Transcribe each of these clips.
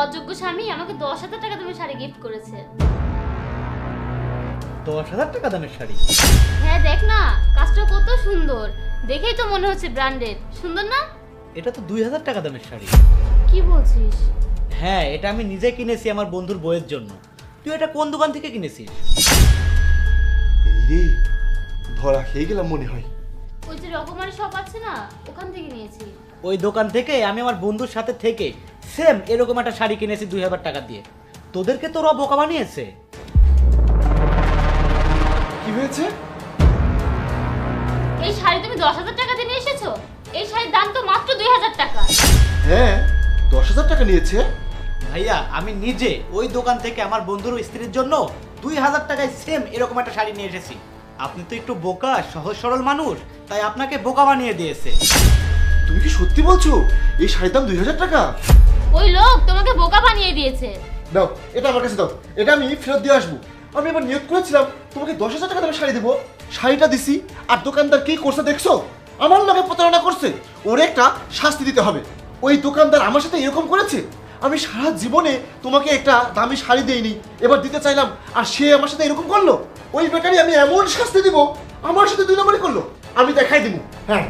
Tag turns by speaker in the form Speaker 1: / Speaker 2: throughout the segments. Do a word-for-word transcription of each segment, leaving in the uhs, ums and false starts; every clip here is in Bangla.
Speaker 1: অযোগ্য স্বামী আমাকে দশ হাজার টাকা দামের শাড়ি গিফট করেছে।
Speaker 2: দশ হাজার টাকা দামের শাড়ি?
Speaker 1: হ্যাঁ দেখ না, কাজটা কত সুন্দর, দেখেই তো মনে হচ্ছে ব্র্যান্ডেড। সুন্দর না?
Speaker 2: এটা তো দুই হাজার টাকা দামের শাড়ি।
Speaker 1: কি বলছিস?
Speaker 2: হ্যাঁ, এটা আমি নিজে কিনেছি আমার বন্ধুর বউয়ের জন্য। তুই এটা কোন দোকান থেকে কিনেছিস?
Speaker 3: এই রে, ধরা খেয়ে গেলাম মনে হয়।
Speaker 1: ওই যে রকমারি শপ আছে না, ওখান থেকে নিয়েছি।
Speaker 2: ওই দোকান থেকে আমি আমার বন্ধুর সাথে থেকে সেম এরকম একটা শাড়ি কিনেছি দুই হাজার টাকা দিয়ে। তোদেরকে তো ওরা বোকা বানিয়েছে।
Speaker 3: কি হয়েছে?
Speaker 1: এই শাড়ি তুমি দশ হাজার টাকা দিয়ে নিয়ে এসেছো? এই শাড়ির দাম তো মাত্র দুই হাজার টাকা।
Speaker 3: হ্যাঁ, দশ হাজার টাকা নিয়েছে।
Speaker 2: ভাইয়া, আমি নিজে ওই দোকান থেকে আমার বন্ধুর স্ত্রীর জন্য দুই হাজার টাকায় সেম এরকম একটা শাড়ি নিয়ে এসেছি। আপনি তো একটু বোকা, সহজ সরল মানুষ, তাই আপনাকে বোকা বানিয়ে দিয়েছে।
Speaker 3: তুমি কি সত্যি বলছো এই শাড়ির দাম দুই হাজার টাকা?
Speaker 1: ওই লোক তোমাকে বোকা বানিয়ে দিয়েছে।
Speaker 3: দাও, এটা আমার কাছে দাও, এটা আমি ফেরত দিয়ে আসবো। আমি এবার নিয়োগ করেছিলাম তোমাকে দশ হাজার টাকা দামের শাড়ি দেবো, শাড়িটা দিছি, আর দোকানদার কি করছে দেখছো? আমার লগে প্রতারণা করছে। ওর একটা শাস্তি দিতে হবে। ওই দোকানদার আমার সাথে এরকম করেছে। আমি সারা জীবনে তোমাকে একটা দামি শাড়ি দেইনি, এবার দিতে চাইলাম, আর সে আমার সাথে এরকম করলো। ওই বেকারি আমি এমন শাস্তি দিব, আমার সাথে দুই নম্বরই করলো। আমি দেখাই দিব। হ্যাঁ,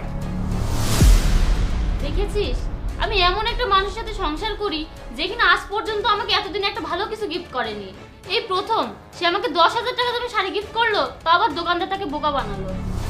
Speaker 1: দেখেছিস, আমি এমন একটা মানুষের সাথে সংসার করি যেখানে আজ পর্যন্ত আমাকে এতদিন একটা ভালো কিছু গিফট করেনি। এই প্রথম সে আমাকে দশ হাজার টাকা দামের শাড়ি গিফট করলো, তা আবার দোকানদার তাকে বোকা বানালো।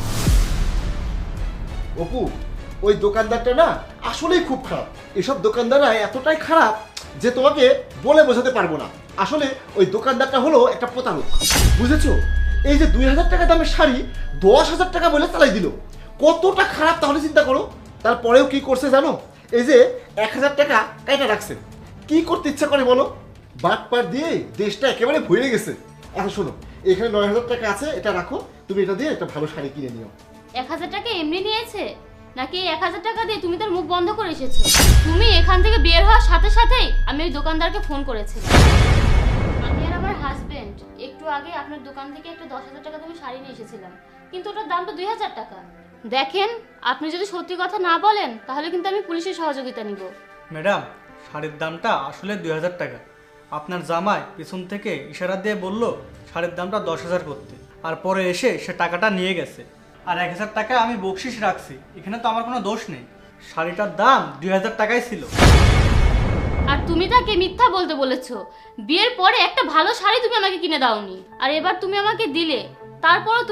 Speaker 3: অপু, ওই দোকানদারটা না আসলেই খুব খারাপ। এসব দোকানদাররা এতটাই খারাপ যে তোমাকে বলে বোঝাতে পারবো না। আসলে ওই দোকানদারটা হলো একটা প্রতারক, বুঝেছো? এই যে দুই হাজার টাকা দামের শাড়ি দশ হাজার টাকা বলে চালাই দিল, কতটা খারাপ তাহলে চিন্তা করো। তারপরেও কি করছে জানো? এই যে এক হাজার টাকা কাইটা রাখছে। কি করতে ইচ্ছা করে বলো? বাট পাট দিয়ে দেশটা একেবারে ভরে গেছে। এখন শোনো, এখানে নয় হাজার টাকা আছে, এটা রাখো, তুমি এটা দিয়ে একটা ভালো শাড়ি কিনে নিও।
Speaker 1: এক হাজার টাকা এমনি নিয়েছে নাকি এক হাজার টাকা দিয়ে তুমি তার মুখ বন্ধ করে এসেছো? তুমি এখান থেকে বের হওয়ার সাথে সাথেই আমি ওই দোকানদারকে ফোন করেছিলাম। আমি আর আমার হাজবেন্ড একটু আগে আপনার দোকান থেকে একটা দশ হাজার টাকা দামের শাড়ি নিয়ে এসেছিলাম, কিন্তু ওটার দাম তো দুই হাজার টাকা। দেখেন, আপনি যদি সত্যি কথা না বলেন তাহলে কিন্তু আমি পুলিশের সহযোগিতা নিব।
Speaker 4: ম্যাডাম, শাড়ির দামটা আসলে দুই হাজার টাকা। আপনার জামাই পিছন থেকে ইশারা দিয়ে বলল শাড়ির দামটা দশ হাজার করতে, আর পরে এসে সে টাকাটা নিয়ে গেছে। আর এক হাজার টাকা আমি বকশিস রাখছি, এখানে তো আমার কোনো দোষ নেই। শাড়িটার দাম দুই হাজার টাকাই ছিল।
Speaker 1: আর তুমি তাকে মিথ্যা বলতে বলেছো। বিয়ের পরে একটা ভালো শাড়ি তুমি আমাকে কিনে দাওনি, আর এবার তুমি আমাকে দিলে, তারপরও